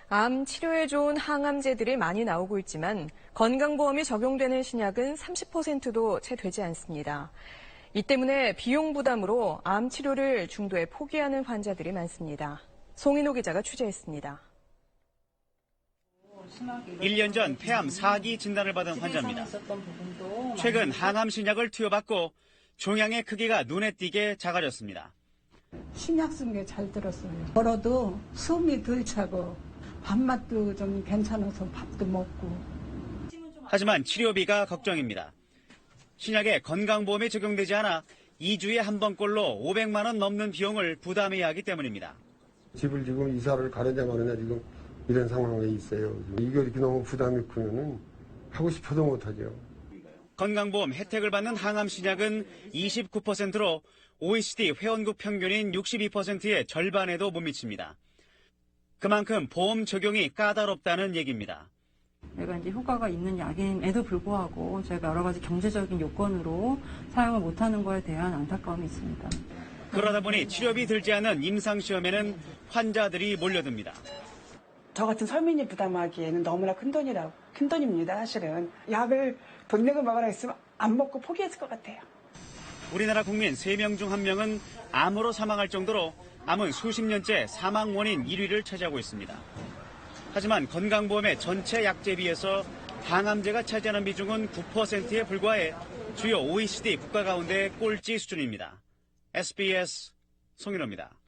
암 치료에 좋은 항암제들이 많이 나오고 있지만 건강보험이 적용되는 신약은 30%도 채 되지 않습니다. 이 때문에 비용 부담으로 암 치료를 중도에 포기하는 환자들이 많습니다. 송인호 기자가 취재했습니다. 1년 전 폐암 4기 진단을 받은 환자입니다. 최근 항암 신약을 투여받고 종양의 크기가 눈에 띄게 작아졌습니다. 신약 쓴 게 잘 들었어요. 걸어도 숨이 덜 차고 밥맛도 좀 괜찮아서 밥도 먹고. 하지만 치료비가 걱정입니다. 신약에 건강보험이 적용되지 않아 2주에 한 번꼴로 500만 원 넘는 비용을 부담해야 하기 때문입니다. 집을 지금 이사를 가느냐 마느냐 지금 이런 상황에 있어요. 이거 이렇게 너무 부담이 크면은 하고 싶어도 못하죠. 건강보험 혜택을 받는 항암 신약은 29%로 OECD 회원국 평균인 62%의 절반에도 못 미칩니다. 그만큼 보험 적용이 까다롭다는 얘기입니다. 내가 이제 효과가 있는 약임에도 불구하고 저희가 여러 가지 경제적인 요건으로 사용을 못하는 거에 대한 안타까움이 있습니다. 그러다 보니 치료비 들지 않은 임상시험에는 환자들이 몰려듭니다. 저 같은 서민이 부담하기에는 너무나 큰 돈입니다, 사실은. 약을 돈 내고 먹으라 했으면 안 먹고 포기했을 것 같아요. 우리나라 국민 3명 중 1명은 암으로 사망할 정도로 암은 수십 년째 사망 원인 1위를 차지하고 있습니다. 하지만 건강보험의 전체 약제 비해서 항암제가 차지하는 비중은 9%에 불과해 주요 OECD 국가 가운데 꼴찌 수준입니다. SBS 송인호입니다.